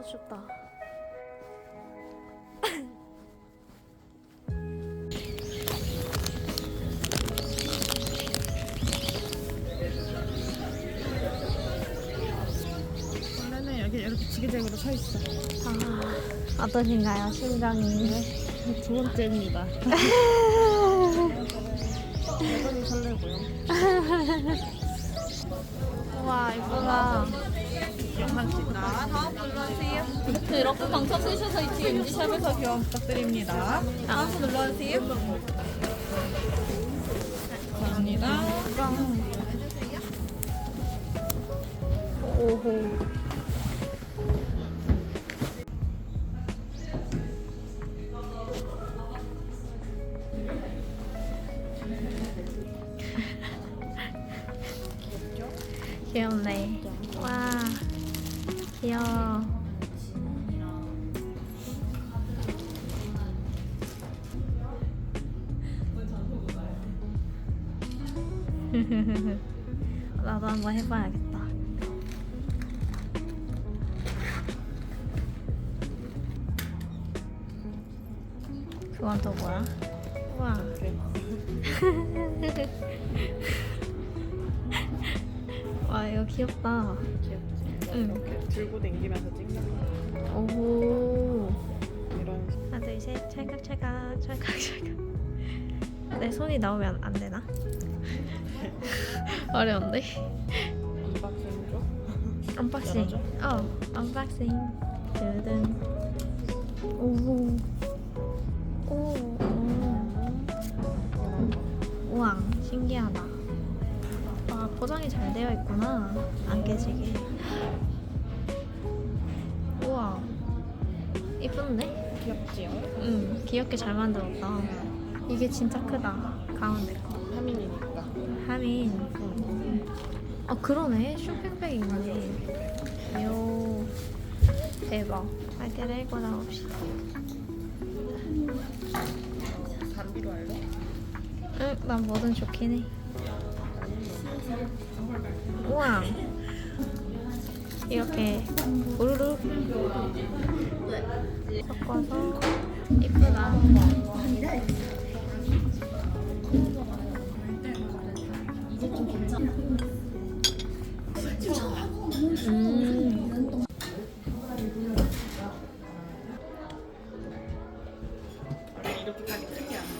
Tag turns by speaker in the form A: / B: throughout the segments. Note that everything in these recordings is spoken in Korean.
A: 너무 춥다.
B: 원래는 여기 이렇게 지그재그로 서 있어.
A: 아, 어떠신가요? 심정이.
B: 두 번째입니다. 여전히 설레고요.
A: 우와, 이쁘다.
B: 영상찍.
C: 다음 눌러주세요. 이렇게 방청 쓰셔서 이쪽 MG샵에서 교환 부탁드립니다. 다음 분 눌러주세요.
B: 감사합니다.
A: 오호. 귀엽네. 와, 귀여워. 나도 한번 해봐야겠다. 그건 또 뭐야? 우와. 와, 이거 귀엽다.
B: 귀엽지?
A: 응.
B: 이렇게 들고 다니면서 찍는 거.
A: 오.
B: 이런
A: 하나, 둘, 셋. 찰칵찰칵, 찰칵찰칵. 내 손이 나오면 안 되나? 어려운데?
B: 언박싱 줘?
A: 언박싱.
B: 열어줘?
A: 언박싱. 두둔. 오. 오. 우와, 신기하다. 와, 포장이 잘 되어 있구나. 안 깨지게. 우와. 이쁜데?
B: 귀엽지요?
A: 응, 귀엽게 잘 만들었다. 이게 진짜 크다. 가운데 거.
B: 하민이니까.
A: 하민.
B: 응.
A: 아, 그러네. 쇼핑백 있네. 요. 대박. 빨대를 읽고 나옵시다.
B: 담비로 할래?
A: 응, 난 뭐든 좋긴 해. 우와. 이렇게 우르르 섞어서 이쁘다.
B: 이렇게까지 크지 않아.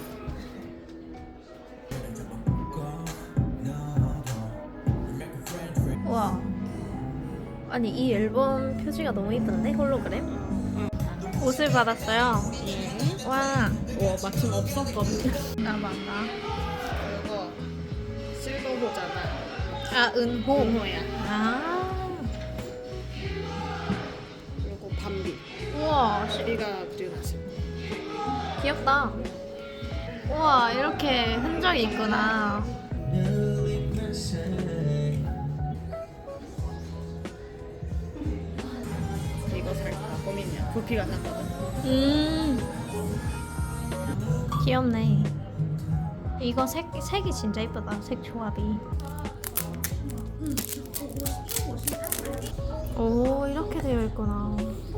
A: 우와. 아니, 이 앨범 표지가 너무 이쁜데? 홀로그램? 옷을 받았어요. 와.
B: 와 마침 없었거든요.
A: 나 맞다.
B: 이거 실버호잖아.
A: 아, 은호.
B: 은호야.
A: 아.
B: 그리고 밤비.
A: 우와.
B: 우리가 류나시.
A: 귀엽다. 우와, 이렇게 흔적이 있구나.
B: 이거 살까 고민이야. 부피가 샀거든.
A: 귀엽네. 이거 색이 진짜 이쁘다. 색 조합이. 오, 이렇게 되어 있구나.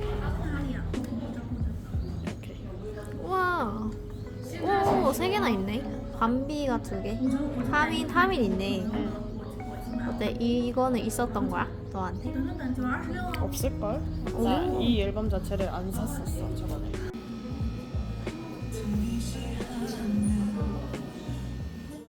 B: 이렇게.
A: 우와. 오, 3개나 있네. 밤비가 2개. 하민 있네. 어때? 이거는 있었던 거야? 너한테?
B: 없을걸?
A: 오.
B: 나 이 앨범 자체를 안 샀었어 저번에.